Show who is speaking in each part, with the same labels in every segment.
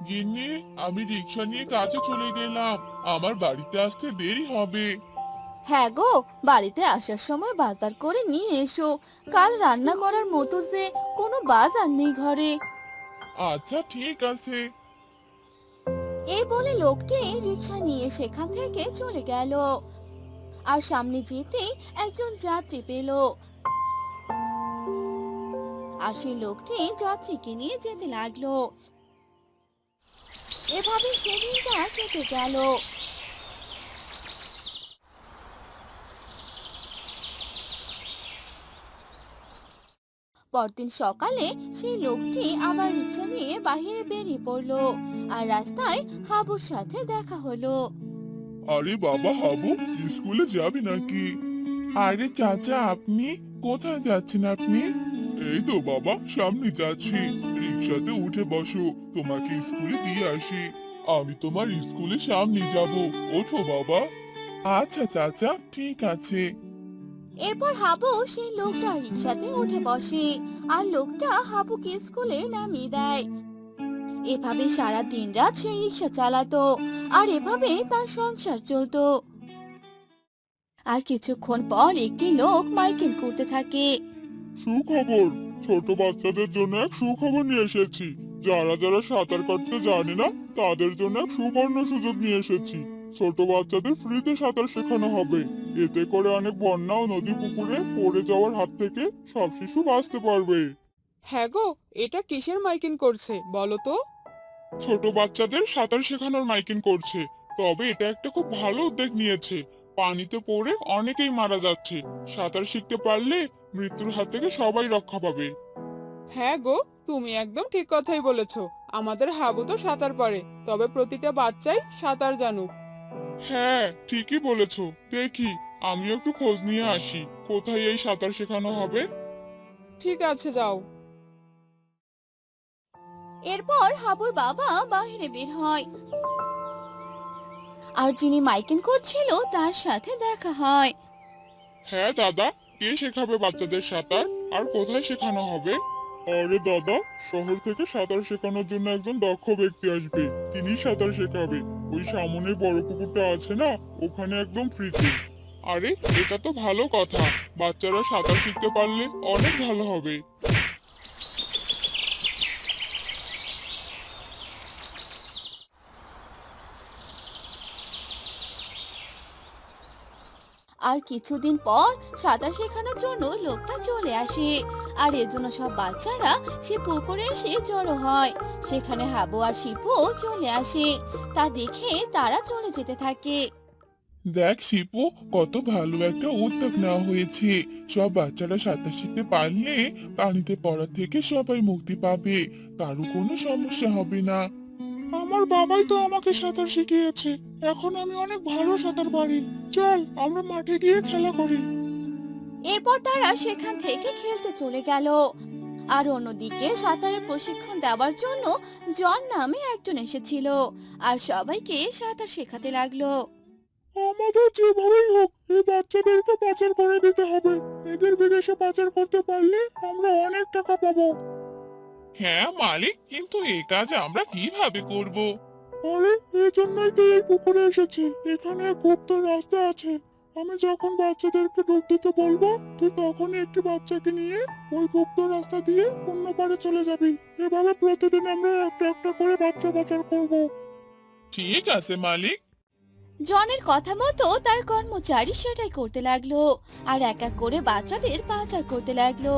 Speaker 1: গিন্নি, আমি রিক্সা নিয়ে কাজে চলে গেলাম। আমার বাড়িতে আসতে দেরি হবে।
Speaker 2: হ্যাঁ গো, বাড়িতে আসার সময় বাজার করে নিয়ে এসো। কাল রান্না করার মতো যে কোনো বাজার নেই ঘরে।
Speaker 1: আচ্ছা, ঠিক আছে।
Speaker 2: এই বলে লোকটি রিকশা নিয়ে সেখান থেকে চলে গেল। আর সামনে যেতেই একজন যাত্রী পেল। আর সেই লোকটি যাত্রীকে নিয়ে যেতে লাগলো। এভাবে সেদিনটা কেটে গেল। পরদিন সকালে সেই লোকটি আবার রিকশা নিয়ে বাইরে বেরিয়ে পড়লো। আর রাস্তায় হাবুর সাথে দেখা হলো।
Speaker 1: আরে বাবা হাবু, স্কুলে যাবি নাকি? আরে চাচা, আপনি কোথায় যাচ্ছেন আপনি? এই তো বাবা, সামনে যাচ্ছি। রিক্সাতে উঠে বসো, তোমাকে স্কুলে দিয়ে আসি। আমি তোমার স্কুলে সামনে যাব। ওঠো বাবা। আচ্ছা চাচা, ঠিক আছে।
Speaker 2: এরপর হাবু সেই লোকটা রিকশাতে উঠে বসে। আর লোকটা হাবুকে স্কুলে নামিয়ে দেয়। এভাবে সারা দিন রাত সে রিকশা চালাতো। আর এভাবে তার সংসার চলতো। আর কিছুক্ষণ পর একটি লোক মাইকিং করতে থাকে।
Speaker 1: সুখবর, ছোট বাচ্চাদের জন্য এক সুখবর নিয়ে এসেছি। যারা যারা সাঁতার কাটতে জানে না, তাদের জন্য এক সুবর্ণ সুযোগ নিয়ে এসেছি। ছোট বাচ্চাদের ফ্রিতে সাঁতার শেখানো হবে। এতে করে অনেক বন্যা ও নদী পুকুরে পড়ে যাওয়ার হাত থেকে সব শিশু বাঁচতে পারবে।
Speaker 3: হ্যাঁ গো, এটা কিসের মাইকিং করছে বলো তো?
Speaker 1: ছোট বাচ্চাদের সাঁতার শেখানোর মাইকিং করছে। তবে এটা একটা খুব ভালো উদ্যোগ নিয়েছে। পানিতে পড়ে অনেকেই মারা যাচ্ছে। সাঁতার শিখতে পারলে মৃত্যুর হাত থেকে সবাই রক্ষা পাবে।
Speaker 3: হ্যাঁ গো, তুমি একদম ঠিক কথাই বলেছো। আমাদের হাবু তো সাঁতার পারে, তবে প্রতিটা বাচ্চাই সাঁতার জানুক।
Speaker 1: হ্যাঁ, ঠিকই বলেছো। দেখি, আমিও একটু খোঁজ নিয়ে আসি কোথায় এই সাঁতার শেখানো হবে।
Speaker 3: ঠিক আছে, যাও।
Speaker 2: এরপর হাবুর বাবা বাইরে বের হয়। আর যিনি মাইকিং করছিল তার সাথে দেখা হয়।
Speaker 1: হ্যাঁ দাদা, কে শেখাবে বাচ্চাদের সাঁতার? আর কোথায় শেখানো হবে? আরে দাদা, শহর থেকে সাঁতার শেখানোর জন্য একজন দক্ষ ব্যক্তি আসবে। তিনি সাঁতার শেখাবে। ওই সামনে বড় পুকুরটা আছে না, ওখানে একদম ফ্রিতে। আরে, এটা তো ভালো কথা। বাচ্চারা সাঁতার শিখতে পারলে অনেক ভালো হবে।
Speaker 2: আর কিছুদিন পর সাঁতার শেখানোর জন্য লোকটা চলে আসে। আর এর জন্য সব বাচ্চারা সে পুকুরে এসে জড়ো হয়। সেখানে হাবু আর শিপু চলে আসে। তা দেখে তারা চলে যেতে থাকে।
Speaker 1: দেখ শিপু, কত ভালো একটা উদ্যোগ নেওয়া হয়েছে। সব বাচ্চারা সাঁতার শিখতে পারলে পানিতে পড়া থেকে সবাই মুক্তি পাবে। কারো কোনো সমস্যা হবে না। আমার বাবাই তো আমাকে সাঁতার শিখিয়েছে। এখন আমি অনেক ভালো সাঁতার পারি। চল, আমরা মাঠে গিয়ে খেলা করি।
Speaker 2: এরপর তারা সেখান থেকে খেলতে চলে গেল। আর অন্যদিকে সাঁতারের প্রশিক্ষণ দেওয়ার জন্য জন নামে একজন এসেছিল। আর সবাইকে সাঁতার শেখাতে লাগলো।
Speaker 1: আমাদের যেভাবেই হোক এই বাচ্চাদেরকে পাচার করে দিতে হবে। এদের বিদেশে পাচার করতে পারলে আমরা অনেক টাকা পাবো। হ্যাঁ মালিক, কিন্তু এই কাজ আমরা কিভাবে করব? আরে, এই জন্যই তো এই পুকুরে এসেছি। এখানে এক গুপ্ত রাস্তা আছে। আমি যখন বাচ্চাদেরকে ডুব দিতে বলবো, তুই তখনই একটি বাচ্চাকে নিয়ে ওই গুপ্ত রাস্তা দিয়ে অন্য পারে চলে যাবি। এভাবে প্রতিদিন আমরা একটা একটা করে বাচ্চা পাচার করব। ঠিক আছে মালিক।
Speaker 2: জনের কথা মতো তার কর্মচারী সেটাই করতে লাগলো। আর এক এক করে বাচ্চাদের পাচার করতে লাগলো।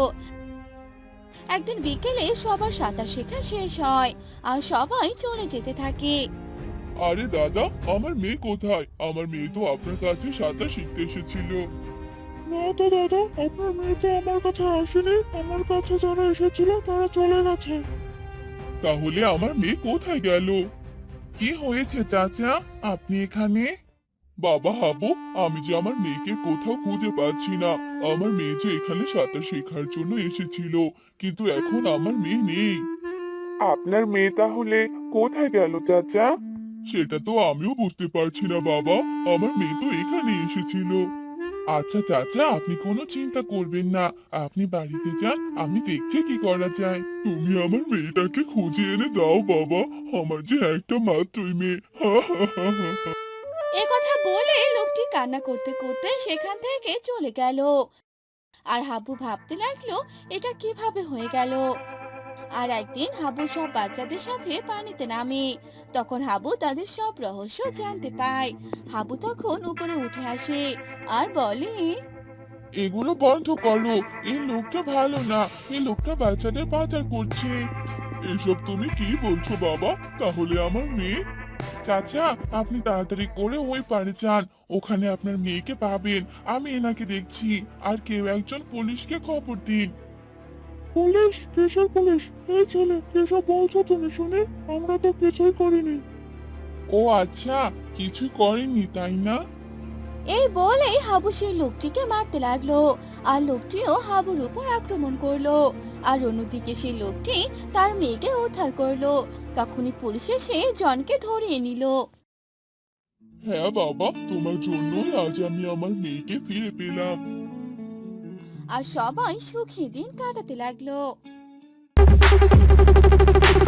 Speaker 2: একদিন বিকেলে সবার সাঁতার শেখা শেষ হয়। আর সবাই চলে যেতে থাকে।
Speaker 1: আরে দাদা, আমার মেয়ে কোথায়? আমার মেয়ে তো আপনার কাছে সাঁতার শিখতে এসেছিল। না তো দাদা, আপনার মেয়ে তো আমার কাছে আসেনি। আমার কাছে যারা এসেছিল তারা চলে গেছে। তাহলে আমার মেয়ে কোথায় গেল? কি হয়েছে চাচা, আপনি এখানে? বাবা হাবু, আমি যে আমার মেয়েকে কোথাও খুঁজে পাচ্ছি না। আমার মেয়ে যে এখানে সাঁতার শেখার জন্য এসেছিল, কিন্তু এখন আমার মেয়ে নেই। আপনার মেয়ে তাহলে কোথায় গেল চাচা? সেটা তো আমিও বুঝতে পারছি না বাবা। আমার মেয়ে তো এখানে এসেছিল। আচ্ছা চাচা, আপনি কোনো চিন্তা করবেন না। আপনি বাড়িতে যান, আমি দেখছি কি করা যায়। তুমি আমার মেয়েটাকে খুঁজে এনে দাও বাবা। আমার যে একটা মাত্রই মেয়ে। হা হা হা হা হা।
Speaker 2: এ কথা বলে লোকটি কান্না করতে করতে সেখান থেকে চলে গেল। আর হাবু ভাবতে লাগলো এটা কিভাবে হয়ে গেল। আর একদিন হাবু সব বাচ্চাদের সাথে পানিতে নামে। তখন হাবু তাদের সব রহস্য জানতে পায়। হাবু তখন উপরে উঠে আসে আর বলে,
Speaker 1: এগুলো বন্ধ করো। এই লোকটা ভালো না। এই লোকটা বাচ্চাদের পাচার করছে। এসব তুমি কি বলছো বাবা? তাহলে আমার মেয়ে? চাচা, আপনি তাড়াতাড়ি করে ওই পারে যান। ওখানে আপনার মেয়েকে পাবেন। আমি এনাকে দেখছি। আর কেউ একজন পুলিশকে খবর দিন। পুলিশ? কিসের পুলিশ? এই ছেলে, কিসব বলছো তুমি শুনে? আমরা তো কিছুই করিনি। ও আচ্ছা, কিছু করেননি তাই না?
Speaker 2: এই বলেই হাবু সেই লোকটিকে মারতে লাগলো। আর লোকটিও হাবুর উপর আক্রমণ করলো। আর অন্যদিকে সেই লোকটি তার মেয়েকে উদ্ধার করলো। তখনই পুলিশ এসে জনকে ধরিয়ে নিল।
Speaker 1: হ্যাঁ বাবা, তোমার জন্যই আজ আমি আমার মেয়েকে ফিরে পেলাম।
Speaker 2: আর সবাই সুখী দিন কাটাতে লাগলো।